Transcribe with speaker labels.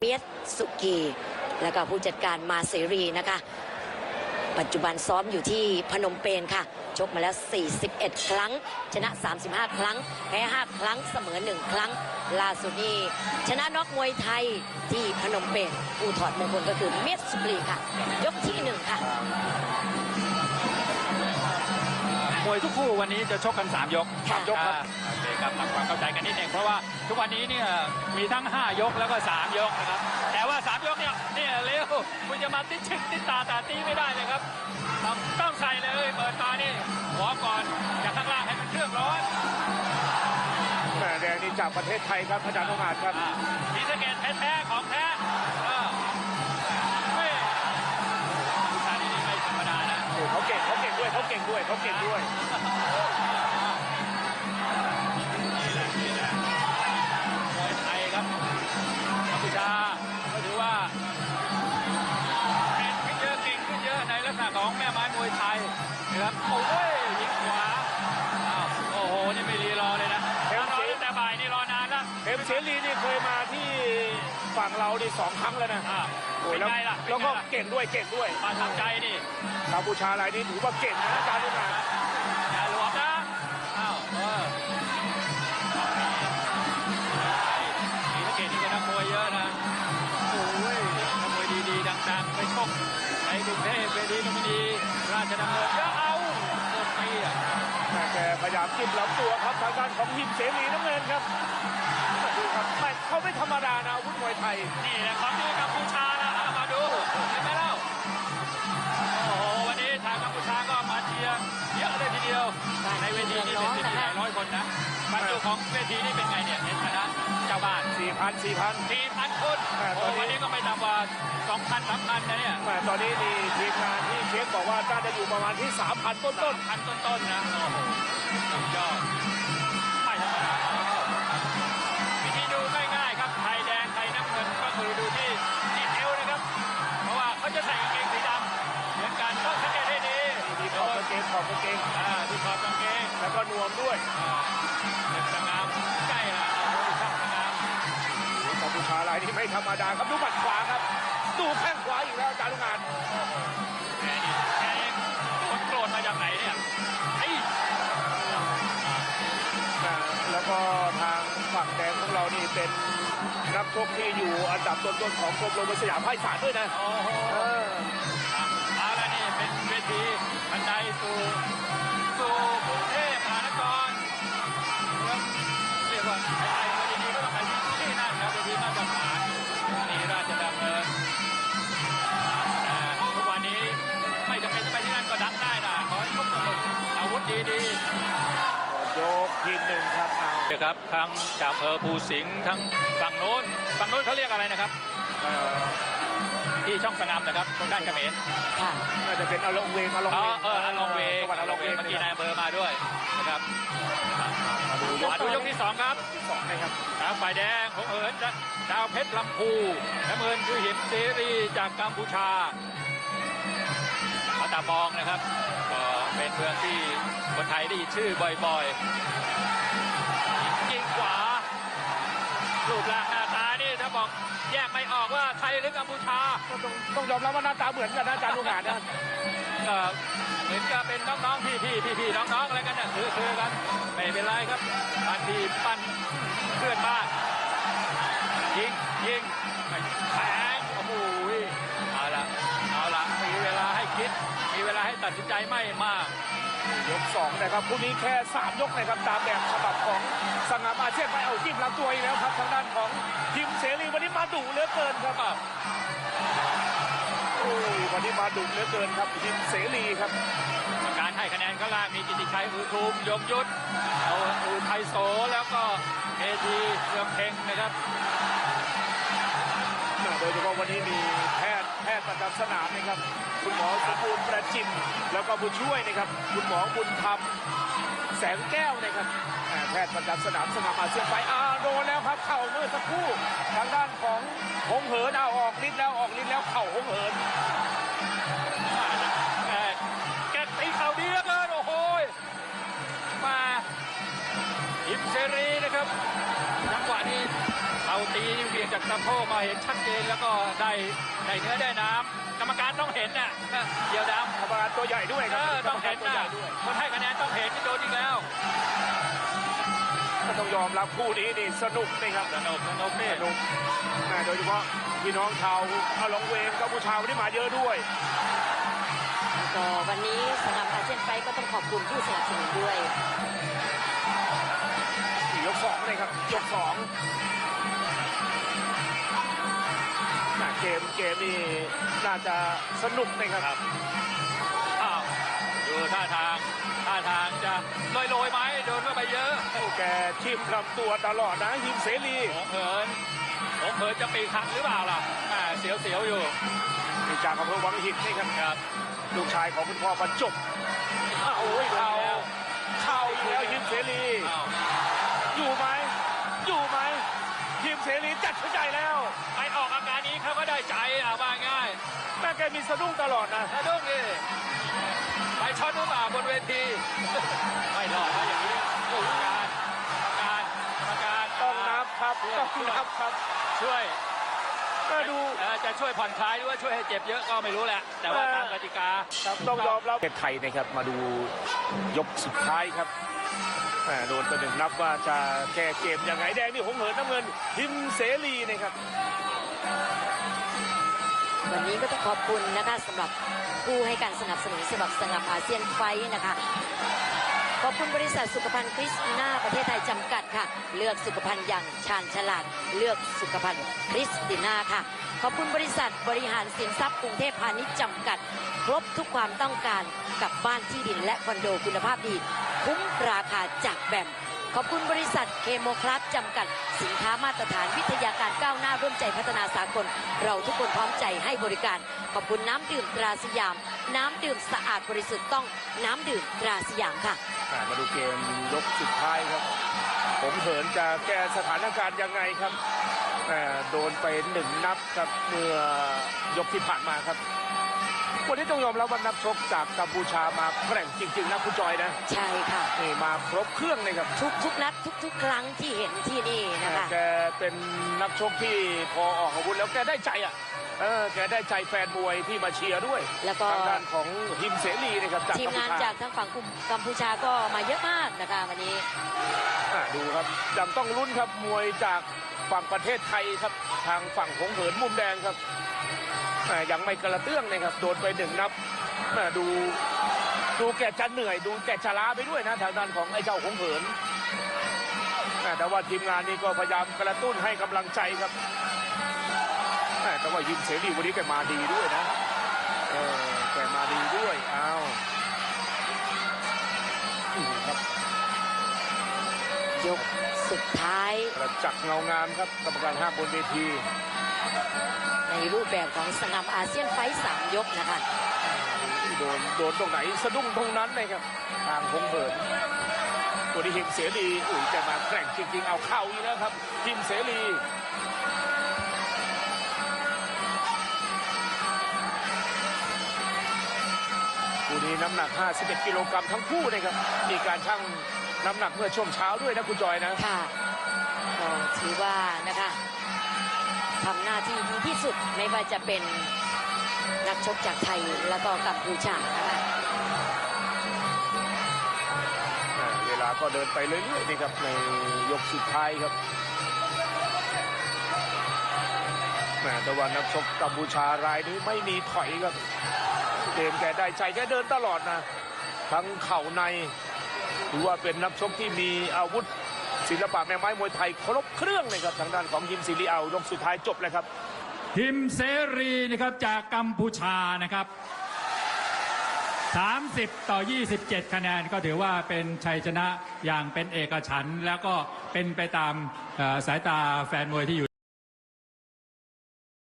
Speaker 1: เมียสุกีแล้วก็ผู้จัดการมาเสรีนะคะปัจจุบันซ้อมอยู่ที่พนมเปญค่ะชกมาแล้ว41ครั้งชนะ35ครั้งแพ้5ครั้งเสมอ1ครั้งล่าสุดนี้ชนะน็อกมวยไทยที่พนมเปญผู้ถอดมงคลก็คือเมียสุกีค่ะยกที่1ค่ะ
Speaker 2: มวยทุกคู่วันนี้จะชกกัน3 ยก3 ยกครับโอเคครับทำความเข้าใจกันนิดนึงเพราะว่าทุกวันนี้เนี่ยมีทั้ง5 ยกแล้วก็3 ยกนะครับแต่ว่า3 ยกเนี่ยเร็วคุณจะมาติดชิดติดตาตีไม่ได้เลยครับต้องใส่เลยเปิดมานี่หัวก่อนจากข้างล่างให้มันเครื่องร้อน
Speaker 3: แดงนี่จากประเทศไทยครับอาจารย์องอาจครับ
Speaker 2: มีสเกตแท้ของแท้ผู้ชายนี่ไม่ธรรมดานะ
Speaker 3: เขาเก่งด้วยม
Speaker 2: วยไทยครับกัมพูชาก็ถือว่าเก่งขึ้นเยอะในลักษณะของแม่ไม้มวยไทยนะครับโอ้ยยิงขวาโอ้โหนี่ไม่รีรอเลยนะรอแต่บ่ายนี่รอนานแล้ว
Speaker 3: เอ็มเสรีนี่เคยมาที่ฝั่งเราดิ2 ครั้งแล้วนะ
Speaker 2: โอ้ย
Speaker 3: แล้วก็เก่งด้วย
Speaker 2: มาทำใจนี่
Speaker 3: กัมพูชารายนี้ถือว่าเก่งนะอาจารย์องอาจ
Speaker 2: อย่าหลวมนะมีนักเก่งนี่ก็นักมวยเยอะนะโอ้ยนักมวยดีๆดังๆไปชกในกรุงเทพเวทีลุมพินีราชดำเนินก็เอาหมดปี
Speaker 3: แกพยายามจิ้มลำตัวครับทางด้านของหิมเสรีน้ำเงินครับดูครับเขาไม่ธรรมดานะอาวุธมวยไทย
Speaker 2: นี่แหละของที่กัมพูชานะมาดูเห็นไหมเล่าโอ้โหวันนี้ทางกัมพูชาก็มาเชียร์เยอะเลยทีเดียวในเวทีนี้เป็นหลายร้อยคนนะบรรจุของเวทีนี้เป็นไงเนี่ยเห็นไหมนะเจ้าบ้าน4,000 คนวันนี้ก็ไม่ต่ำกว่า 2,000-3,000 นะเนี่ย
Speaker 3: ตอนนี้นี่ทีมงานที่เช็คบอกว่าน่าจะอยู่ประมาณที่ 3,000 ต้น
Speaker 2: นะโอ้โหสุดยอดไม่ธรรมดาวิธีดูง่ายๆครับไทยแดงไทยน้ำเงินก็คือดูที่เอวนะครับเพราะว่าเขาจะใส่กางเกงสีดำเหมือนกันต้องสังเกตให้ดี
Speaker 3: ที่ขอบกางเกง
Speaker 2: ที่ขอบกางเกง
Speaker 3: แล้วก็นวมด้วย
Speaker 2: สงามใกล้ละช่างสงาม
Speaker 3: กัมพูชารายนี้ไม่ธรรมดาครับดูหมัดขวาครับดูแข้งขวาอีกแล้วอาจารย์ลุงงาน
Speaker 2: แกเองคนโกรธมาจากไหนเนี่ย
Speaker 3: แล้วก็ทางฝั่งแดงของเรานี่เป็นนักชกที่อยู่อันดับต้นๆของกรมโรงพยาบาลสยามภาคอีสานด้วยนะ
Speaker 2: เอาละนี่เป็นเวทีบันไดสู่กรุงเทพมหานครเรียกว่าไทยๆดีๆก็ต้องไปที่นั่นครับเวทีมาตรฐานนี่ราชดำเนินทุกวันนี้ไม่จำเป็นจะไปที่นั่นก็ดังได้นะขอให้พบกับอาวุธดี
Speaker 3: ๆยกที่1ครับ
Speaker 2: ครับทั้งจากอำเภอภูสิงห์ทั้งฝั่งโน้นเขาเรียกอะไรนะครับที่ช่องสงามนะครับตรงด้านเขมร
Speaker 3: น่าจะเป็นอลองเวง
Speaker 2: อลองเวงเมื่อกี้นายอำเภอมาด้วยนะครับมาดูยกที่2ครับ
Speaker 3: นะครับ
Speaker 2: ทางฝ่ายแดงของเหินดาวเพชรลำพูน้ำเงินคือหิมเสรีจากกัมพูชามาตาบองนะครับก็เป็นเมืองที่คนไทยได้ยินชื่อบ่อยๆยิงขวารูปร่างหน้าตานี่ถ้าบอกแยกไม่ออกว่าไทยหรือกัมพูชา
Speaker 3: ต้องยอมรับว่าหน้าตาเหมือนกันนะอาจารย์ลุงหานนะ
Speaker 2: เหมือนกับเป็นน้องๆพี่น้องๆอะไรกันเนี่ยซื้อกันไม่เป็นไรครับปั้นพี่ปั้นเพื่อนบ้านยิงแทงโอ้โหเอาละมีเวลาให้คิดมีเวลาให้ตัดสินใจไม่มาก
Speaker 3: ยก2นะครับคู่นี้แค่3 ยกนะครับตามแบบฉบับของสง่าอาเซียนไปเอาจิ้มลำตัวอีกแล้วครับทางด้านของหิมเสรีวันนี้มาดุเหลือเกินครับวันนี้มาดุเหลือเกินครับหิมเสรีครับ
Speaker 2: การให้คะแนนก็ล่ามีกิติชัยอุทุมยงยุทธเอาอุทัยโสแล้วก็เอทีเรืองเพ็งนะครับ
Speaker 3: โดยเฉพาะวันนี้มีแพทย์ประจำสนามนะครับคุณหมอสมบูรณ์ประจิมแล้วก็ผู้ช่วยนะครับคุณหมอบุญธรรมแสงแก้วนะครับแพทย์ประจำสนามสง่าอาเซียนไปโดนแล้วครับเข่าเมื่อสักครู่ทางด้านของหงเหินออกฤทธิ์แล้วเข่าหงเหิน
Speaker 2: แกตีเข่าดีเหลือเกินโอ้โหมาหิมเสรีนะครับจังหวะนี้เข่าตีเบี่ยงจากดสะโพกมาเห็นชัดเจนแล้วก็ได้เนื้อได้น้ำกรรมการต้องเห็นน่ะเดียวดำ
Speaker 3: กรรมการตัวใหญ่ด้วยครับ
Speaker 2: ต้องเห็น
Speaker 3: ตัว
Speaker 2: นะ
Speaker 3: ใหญ่ด้วย
Speaker 2: คนให้คะแนนต้องเห็นโดนอีกแล้ว
Speaker 3: ก็ต้องยอมรับคู่นี้นี่สนุกนะครับ
Speaker 2: สนุกนี่
Speaker 3: สนุกโดยเฉพาะพี่น้องชาวอาลองเวงกัมพูชาวันนี้มาเยอะด้วย
Speaker 1: ก็วันนี้สำหรับอาเซียนไฟท์ก็ต้องขอบคุณผู้สนับสนุนด้วย
Speaker 3: ยกสองเลยครับยกสองเกมนี่น่าจะสนุกนะครับ
Speaker 2: อ้าวดูท่าทางจะโรยไหมโดนเข้าไปเยอะ
Speaker 3: โอ้แกทิ่มลำตัวตลอดนะหิมเสรี
Speaker 2: หงเหินจะปีกหักหรือเปล่าล่ะเสียวอยู่
Speaker 3: นี่จากอำเภอวังหินนี่ครับ
Speaker 2: ครับ
Speaker 3: ลูกชายของคุณพ่อบรรจบโอ้ยเข้าอีกแล้วหิมเสรี
Speaker 2: อ้าว
Speaker 3: อยู่ไหมหิมเสรีจัดชุดใหญ่แล้ว
Speaker 2: ไปออกอาการนี้เขาก็ได้ใจว่าง่าย
Speaker 3: แม่แกมีสะดุ้งตลอดนะ
Speaker 2: สะดุ้งดิไปช็อตหรือเปล่าบนเวที ไม่รอดนะอย่างนี้กรรมการ
Speaker 3: ต้องนับครับต้องนับครับ
Speaker 2: ช่วย
Speaker 3: มาดู
Speaker 2: จะช่วยผ่อนคลายหรือว่าช่วยให้เจ็บเยอะก็ไม่รู้แหละ แต่ว่าตามกติกา
Speaker 3: ครับต้องยอมรับประเทศไทยนะครับมาดูยกสุดท้ายครับโดนตัวหนึ่งนับว่าจะแก้เกมยังไงแดงนี่หงเหินน้ำเงินหิมเสรีนะครับ
Speaker 1: วันนี้ก็ต้องขอบคุณนะคะสำหรับผู้ให้การสนับสนุนสำหรับอาเซียนไฟท์นะคะ ขอบคุณบริษัทสุขภัณฑ์คริสติน่าประเทศไทยจำกัดค่ะเลือกสุขภัณฑ์อย่างชาญฉลาดเลือกสุขภัณฑ์คริสติน่าค่ะขอบคุณบริษัทบริหารสินทรัพย์กรุงเทพพาณิชย์จำกัดครบทุกความต้องการกับบ้านที่ดินและคอนโดคุณภาพดีคุ้มราคาจากแบมขอบคุณบริษัทเคโมคลัสจำกัดสินค้ามาตรฐานวิทยาการก้าวหน้าร่วมใจพัฒนาสากลเราทุกคนพร้อมใจให้บริการขอบคุณน้ำดื่มตราสยามน้ำดื่มสะอาดบริสุทธิ์ต้องน้ำดื่มตราสยามค่ะ
Speaker 3: มาดูเกมยกสุดท้ายครับหงเหินจะแก้สถานการณ์ยังไงครับโดนไปหนึ่งนับครับเมื่อยกที่ผ่านมาครับวันนี้ต้องยอมรับว่านักชกจากกัมพูชามาแกร่งจริงๆนะคุณจอยนะ
Speaker 1: ใช่ค่ะ
Speaker 3: นี่มาครบเครื่องเลยครับ
Speaker 1: ทุกนัดทุกครั้งที่เห็นที่นี่นะคะ
Speaker 3: แกเป็นนักชกที่พอออกอาวุธแล้วแกได้ใจแกได้ใจแฟนมวยที่มาเชียร์ด้วย
Speaker 1: แล้วก็
Speaker 3: ทางด้านของหิมเสรีนะครับจาก
Speaker 1: ทีมงานจากทางฝั่งกัมพูชาก็มาเยอะมากนะคะวันนี้
Speaker 3: ดูครับยังต้องลุ้นครับมวยจากฝั่งประเทศไทยครับทางฝั่งหงเหินมุมแดงครับยังไม่กระเตื้องนะครับโดนไปหนึ่งนับดูแกจะเหนื่อยดูแกจะล้าไปด้วยนะทางด้านของไอ้เจ้าหงเหินแต่ว่าทีมงานนี้ก็พยายามกระตุ้นให้กำลังใจครับแต่ว่ายิมเสรีวันนี้แกมาดีด้วยนะแกมาดีด้วยครับ
Speaker 1: ยกสุดท้าย
Speaker 3: ประจักษ์เงางามครับกรรมการ5บนเวที
Speaker 1: ในรูปแบบของสนามอาเซียนไฟท์3 ยกนะคะ
Speaker 3: โดนตรงไหนสะดุ้งตรงนั้นเลยครับทางหงเหินตัวนี้หิมเสรีแกมาแกร่งจริงๆเอาเข้าอีกแล้วครับหิมเสรีคู่นี้น้ำหนัก51กิโลกรัมทั้งคู่นะครับมีการชั่งน้ำหนักเมื่อช่วงเช้าด้วยนะคุณจอยนะ
Speaker 1: ค่ะก็ถือว่านะคะทำหน้าที่ดีที่สุดไม่ว่าจะเป็นนักชกจากไทยแล้วก็กัมพูชานะคะ
Speaker 3: เวลาก็เดินไปเรื่อยๆนี่ครับในยกสุดท้ายครับแต่ว่านักชกกัมพูชารายนี้ไม่มีถอยครับเกมแกได้ใจแกเดินตลอดนะทั้งเข่าในถือว่าเป็นนักชกที่มีอาวุธศิลปะแม่ไม้มวยไทยครบเครื่องเลยครับทางด้านของหิมเสรียกสุดท้ายจบเลยครับ
Speaker 2: หิมเสรีนะครับจากกัมพูชานะครับ30-27 คะแนนก็ถือว่าเป็นชัยชนะอย่างเป็นเอกฉันท์แล้วก็เป็นไปตามสายตาแฟนมวยที่อยู่